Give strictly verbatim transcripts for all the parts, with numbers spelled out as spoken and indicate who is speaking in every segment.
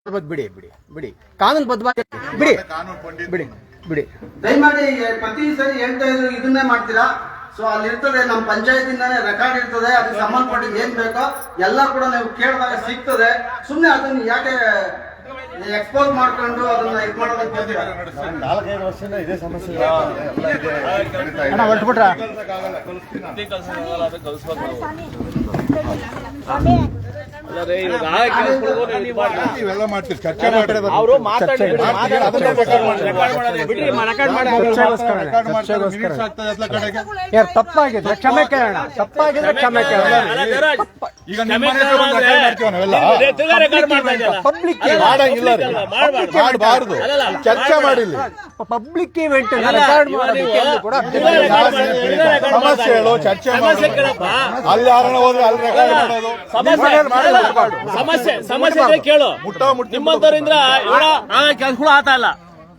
Speaker 1: ಬಿಡಿ ಬಿಡಿ ಬಿಡಿ ಕಾನೂನು ಬದ್ಧವಾಗಿ ಬಿಡಿ ಬಿಡಿ ಬಿಡಿ
Speaker 2: ದಯಮಾಡಿ ಪ್ರತಿ ಸರಿ ಹೇಳ್ತಾ ಇದ್ರು ಇದನ್ನೇ ಮಾಡ್ತೀರಾ. ಸೊ ಅಲ್ಲಿ ಇರ್ತದೆ ನಮ್ಮ ಪಂಚಾಯತಿಂದಾನೇ ರೆಕಾರ್ಡ್ ಇರ್ತದೆ, ಅದಕ್ಕೆ ಸಂಬಂಧಪಟ್ಟಿದ್ದು ಏನ್ ಬೇಕೋ ಎಲ್ಲ ಕೂಡ ನೀವು ಕೇಳಿದಾಗ ಸಿಗ್ತದೆ. ಸುಮ್ಮನೆ ಅದನ್ನ ಯಾಕೆ ಎಕ್ಸ್ಪೋಸ್ ಮಾಡ್ಕೊಂಡು ಅದನ್ನ ಇದು ಮಾಡೋದಕ್ಕೆ
Speaker 3: ನಾಲ್ಕೈದು ವರ್ಷದಿಂದ ಇದೇ ಸಮಸ್ಯೆ
Speaker 1: ಹೊರಟ್ಬಿಟ್ರ
Speaker 3: ಇವೆಲ್ಲ ಮಾಡ್ತೀವಿ, ಚರ್ಚೆ ಮಾಡಿ
Speaker 1: ಅವರು ತಪ್ಪಾಗಿದೆ, ಕ್ಷಮೆ ಕೇಳೋಣ. ತಪ್ಪಾಗಿದ್ರೆ ಕ್ಷಮೆ ಕೇಳೋಣ.
Speaker 3: ಈಗ ನಿಮ್ಮ ಮನೆ ಹತ್ರ ಬಂದು ರೆಕಾರ್ಡ್ ಮಾಡ್ತೀವಿ ನಾವೆಲ್ಲ.
Speaker 1: ಪಬ್ಲಿಕ್
Speaker 3: ಮಾಡಂಗಿಲ್ಲ ರೀ, ಮಾಡಬಾರ್ದು. ಚರ್ಚೆ ಮಾಡಿಲ್ಲ,
Speaker 1: ಪಬ್ಲಿಕ್ ಇವೆಂಟ್ ರೆಕಾರ್ಡ್ ಮಾಡೋದಕ್ಕೆ ಕೂಡ
Speaker 3: ಸಮಸ್ಯೆ ಹೇಳು, ಚರ್ಚೆ ಮಾಡಿ. ಅಲ್ಲಿ ಯಾರನ್ನ ಹೋದ್ರೆ ಅಲ್ಲಿ ರೆಕಾರ್ಡ್ ಮಾಡೋದು
Speaker 4: ಸಮಸ್ಯೆ ಸಮಸ್ಯೆ ಕೇಳು.
Speaker 3: ಮುಟ್ಟೋ ಮುಟ್ಟಿ
Speaker 4: ನಿಮ್ಮಂತವರಿಂದ ಕೆಲಸಗಳು ಆಗ್ತಾ ಇಲ್ಲ.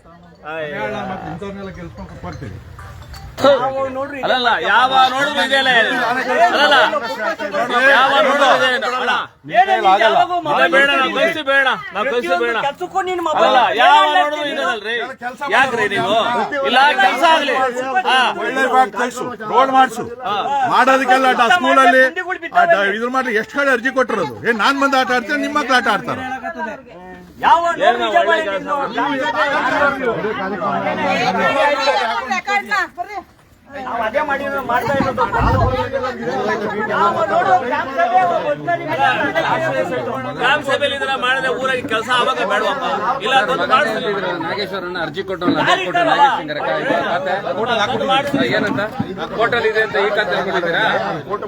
Speaker 4: ಅಲ್ಲಲ್ಲ ಯಾವ ನೋಡಿದ್ರು ಇದೆಯಲ್ಲ, ಅಲ್ಲಲ್ಲ ಯಾವ ನೋಡಿದ್ರು ಬೇಡ, ನಾವು ಕಲ್ಸಿ ಬೇಡ, ನಾವು ಕಲ್ಸಿ ಬೇಡ. ಅಲ್ಲ ಯಾವ ನೋಡಿದ್ರು ಇದೆಯಲ್ರಿ, ಯಾಕ್ರಿ ನೀವು ಇಲ್ಲ ಕೆಲಸ ಆಗ್ಲಿ
Speaker 3: ರೋಡ್ ಮಾಡಿಸು ಮಾಡೋದಕ್ಕೆಲ್ಲ ಸ್ಕೂಲಲ್ಲಿ ಇದ್ರ ಮಾಡಿ ಎಷ್ಟು ಕಡೆ ಅರ್ಜಿ ಕೊಟ್ಟಿರೋದು. ಏನ್ ನಾನ್ ಬಂದು ಆಟ ಆಡ್ತೀನಿ, ನಿಮ್ಮ ಮಕ್ಳು ಆಟ ಆಡ್ತಾರ.
Speaker 4: ಗ್ರಾಮ ಸಭೆಯಲ್ಲಿ ಇದನ್ನ ಮಾಡಿದ್ರೆ ಊರಾಗಿ ಕೆಲಸ ಆವಾಗ ಬೇಡವಪ್ಪ. ಇಲ್ಲ
Speaker 5: ನಾಗೇಶ್ವರನ್ನ ಅರ್ಜಿ ಕೊಟ್ಟು ಏನಂತ ಹೋಟೆಲ್ ಇದೆ ಅಂತ ಈ ಖಾತೆ